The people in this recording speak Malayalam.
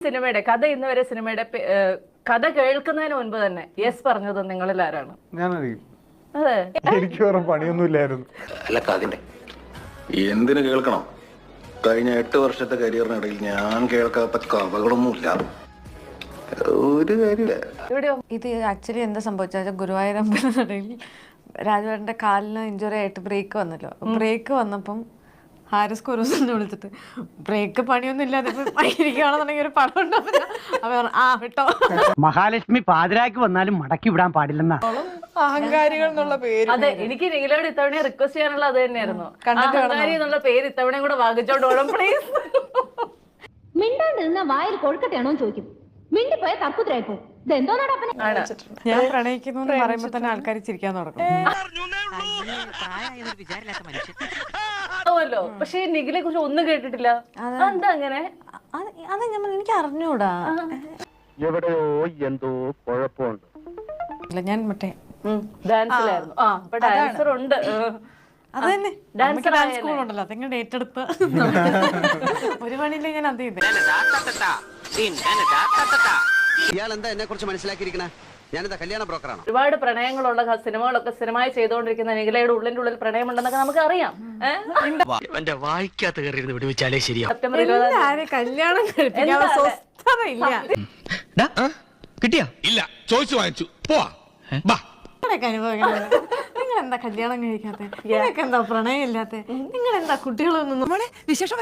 സിനിമയുടെ കഥ ഇന്ന് വരെ സിനിമയുടെ കഥ കേൾക്കുന്നതിന് മുൻപ് തന്നെ യെസ് പറഞ്ഞത് നിങ്ങളിൽ ആരാണ്? ഞാനറിയും. അതെ, എനിക്ക് വേറെ പണിയൊന്നും ഇല്ലായിരുന്നു. അല്ല കഥന്റെ എന്തിനു കേൾക്കണം? കഴിഞ്ഞ 8 വർഷത്തെ കരിയറിനിടയിൽ ഞാൻ കേൾക്കാത്ത കഥകളൊന്നുമില്ല. ഒരു കാര്യമില്ല. ഇവിടെയോ ഇത് ആക്ച്വലി എന്താ സംഭവിച്ചാൽ ഗുരുവായൂരമ്പലത്തിനിടയിൽ രാജുവേട്ടൻ്റെ കാലിന് ഇഞ്ചുറി ആയിട്ട് ബ്രേക്ക് വന്നല്ലോ. ബ്രേക്ക് വന്നപ്പം ഹാരിസ് കുരൂസിനെ വിളിച്ചിട്ട് ബ്രേക്ക് പണിയൊന്നും ഇല്ലാതെ ഇരിക്കുകയാണെന്നുണ്ടെങ്കിൽ ഒരു പടം ഉണ്ടാവില്ല. അവർ ആ വിട്ടോ. മഹാലക്ഷ്മി പാതിരാക്ക് വന്നാലും മടക്കി വിടാൻ പാടില്ലെന്നാണ് അഹങ്കാരികൾ എന്നുള്ള പേര്. അതെ, എനിക്ക് നിഖിലയോട് ഇത്തവണ റിക്വസ്റ്റ് ചെയ്യാനുള്ള അത് തന്നെയായിരുന്നു. അഹങ്കാരി എന്നുള്ള പേര് ഇത്തവണയും കൂടെ വാങ്ങിച്ചോണ്ടോളം പ്ലീസ്. മിണ്ടാണ്ട് നിന്ന വായിൽ കൊഴുക്കട്ടെയാണോ ചോദിക്കും. മിണ്ടിപ്പോയ തർക്കുത്തരായിപ്പോ ഇതെന്തോന്നാണ് അപ്പനെ. ഞാൻ പ്രണയിക്കുന്നു എന്ന് പറയുമ്പോ തന്നെ ആൾക്കാർ ചിരിക്കാൻ തുടങ്ങും. പക്ഷെ നിഖിലെ കുറിച്ച് ഒന്നും കേട്ടിട്ടില്ല. എന്താ അങ്ങനെ? അത് എനിക്ക് അറിഞ്ഞൂടാ. എവിടെയോ എന്തോ കുഴപ്പമുണ്ട്. ഞാൻ മറ്റേ ഡാൻസിലായിരുന്നു. അപ്പൊ ഡാൻസർ ഉണ്ട്. അത് തന്നെ ഡാൻസ് സ്കൂളുണ്ടല്ലോ, അതെങ്ങനെ ഏറ്റെടുത്ത് ഒരു പണിയില്ല. ഞാൻ അത് ചെയ്തേ. ഇയാൾ എന്താ എന്നെ കുറിച്ച് മനസ്സിലാക്കിയിരിക്കണേ? ഞാനെന്താ കല്യാണ ബ്രോക്കറാണോ? ഒരുപാട് പ്രണയങ്ങളുള്ള സിനിമകളൊക്കെ സ്ഥിരമായി ചെയ്തുകൊണ്ടിരിക്കുന്ന നിഖിലയുടെ ഉള്ളിന്റെ ഉള്ളിൽ പ്രണയമുണ്ടെന്നൊക്കെ നമുക്ക് അറിയാം. വായിക്കാത്ത കയറി വിടുവിച്ചാലേ ശരിയാ. സെപ്റ്റംബർ 20 കല്യാണം കഴിപ്പിക്കാൻ സ്വസ്ഥതയില്ല. കിട്ടിയാ ഇല്ല, ചോദിച്ചു വാങ്ങിച്ചു പോവാ. നിങ്ങൾ എന്താ കല്യാണം കഴിക്കാത്ത? നിങ്ങൾക്ക് എന്താ പ്രണയം ഇല്ലാത്ത? നിങ്ങൾ എന്താ കുട്ടികളൊന്നും വിശേഷം